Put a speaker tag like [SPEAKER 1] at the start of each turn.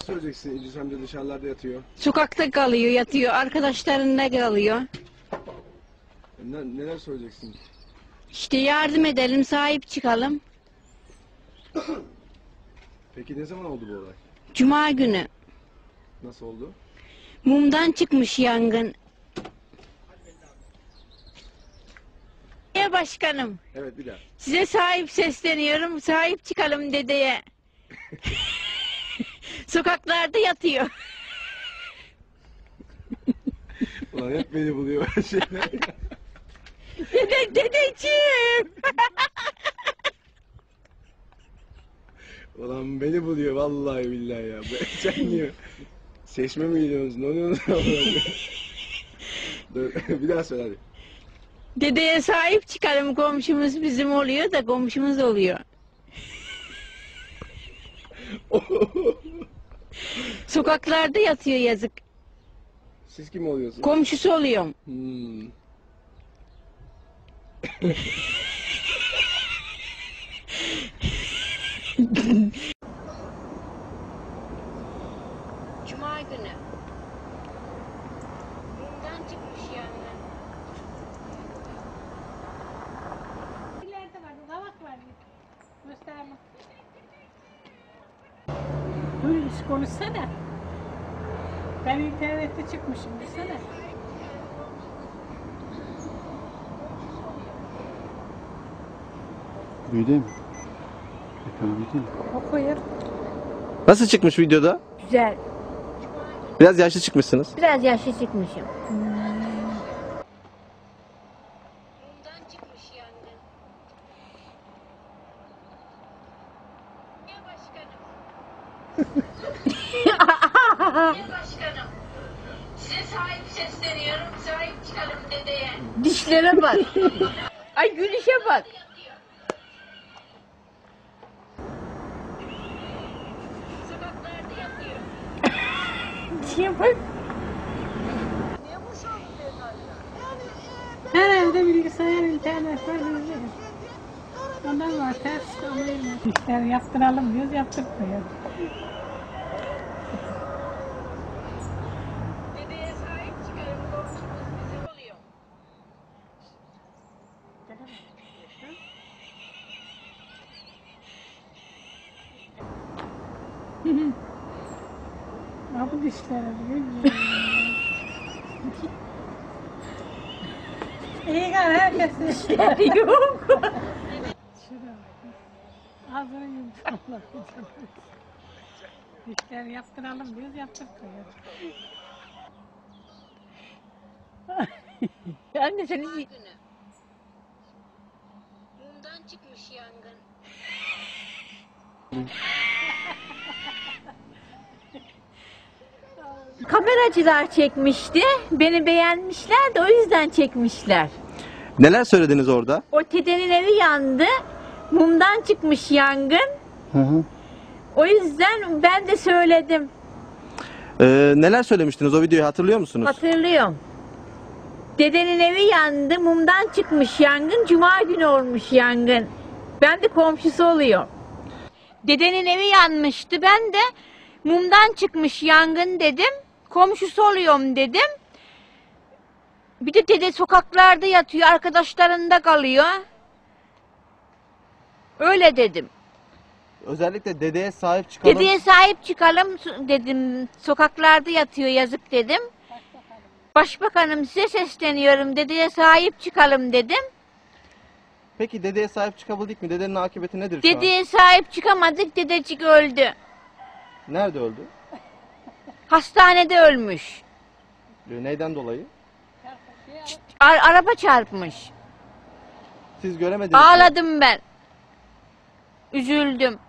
[SPEAKER 1] söyleyeceksin? İdris amca dışarılarda yatıyor.
[SPEAKER 2] Sokakta kalıyor, yatıyor. Arkadaşlarında kalıyor.
[SPEAKER 1] Neler söyleyeceksin?
[SPEAKER 2] İşte yardım edelim, sahip çıkalım.
[SPEAKER 1] Peki ne zaman oldu bu olay?
[SPEAKER 2] Cuma günü.
[SPEAKER 1] Nasıl oldu?
[SPEAKER 2] Mumdan çıkmış yangın. Başkanım,
[SPEAKER 1] Evet, bir daha.
[SPEAKER 2] size sahip sesleniyorum. Sahip çıkalım dedeye. Sokaklarda yatıyor.
[SPEAKER 1] Ulan hep beni buluyor her şeyler.
[SPEAKER 2] Dedeciğim.
[SPEAKER 1] Ulan beni buluyor vallahi billahi ya. Sen niye? Seçme mi gidiyorsunuz? Ne oluyorsunuz? Dur, bir daha söyle hadi.
[SPEAKER 2] Dedeye sahip çıkalım, komşumuz bizim oluyor da komşumuz oluyor. Sokaklarda yatıyor yazık.
[SPEAKER 1] Siz kim oluyorsunuz?
[SPEAKER 2] Komşusu oluyorum. Cuma günü. Mumdan çıkmış yangın.
[SPEAKER 3] İleride var, kavak var. Gösterme. Dur, konuşsana. Ben internette çıkmışım, desene.
[SPEAKER 4] Büyüdü mü? Ekranı büyüdü mü?
[SPEAKER 3] Okuyur.
[SPEAKER 5] Nasıl çıkmış videoda?
[SPEAKER 6] Güzel.
[SPEAKER 5] Biraz yaşlı çıkmışsınız.
[SPEAKER 6] Biraz yaşlı çıkmışım.
[SPEAKER 2] Mumdan çıkmış yangın. Ya başkanım. Ya başkanım. Size sahip sesleniyorum. Sahip çıkalım dedeye.
[SPEAKER 6] Dişlere bak. Ay gülüşe bak.
[SPEAKER 2] Sokaklarda yatıyor.
[SPEAKER 6] Dişe bak.
[SPEAKER 3] Her evde bilgisayar, internet var, bizde. Ondan var, ters anlayın. İşler yaptıralım diyoruz, yaptırmıyoruz.
[SPEAKER 2] Dedeye sahip çıkalım. Komşumuz bizim oluyor.
[SPEAKER 3] Ha bu dişlere İyi gel herkesin dişleri
[SPEAKER 6] Yok.
[SPEAKER 3] Şuraya bak. Ağzını yumuşaklar. Dişler yaptıralım diyoruz, yaptırmıyoruz.
[SPEAKER 6] Anne seni
[SPEAKER 2] Cuma günü. Mumdan çıkmış yangın.
[SPEAKER 6] kameracılar çekmişti. Beni beğenmişler de o yüzden çekmişler.
[SPEAKER 5] Neler söylediniz orada?
[SPEAKER 6] O dedenin evi yandı. Mumdan çıkmış yangın.
[SPEAKER 4] Hı hı.
[SPEAKER 6] O yüzden ben de söyledim.
[SPEAKER 5] Neler söylemiştiniz? O videoyu hatırlıyor musunuz?
[SPEAKER 6] Hatırlıyorum. Dedenin evi yandı. Mumdan çıkmış yangın. Cuma günü olmuş yangın. Ben de komşusu oluyor. Dedenin evi yanmıştı. Ben de mumdan çıkmış yangın dedim. Komşusu oluyorum dedim. Bir de dede sokaklarda yatıyor. Arkadaşlarında kalıyor. Öyle dedim.
[SPEAKER 5] Özellikle dedeye sahip çıkalım.
[SPEAKER 6] Dedeye sahip çıkalım dedim. Sokaklarda yatıyor yazık dedim. Başbakanım size sesleniyorum. Dedeye sahip çıkalım dedim.
[SPEAKER 5] Peki dedeye sahip çıkabildik mi? Dedenin akıbeti nedir şu an?
[SPEAKER 6] Dedeye sahip çıkamadık. Dedecik öldü.
[SPEAKER 5] Nerede öldü?
[SPEAKER 6] Hastanede ölmüş.
[SPEAKER 5] Neyden dolayı?
[SPEAKER 6] Araba çarpmış.
[SPEAKER 5] Siz göremediniz mi?
[SPEAKER 6] Ağladım ben. Üzüldüm.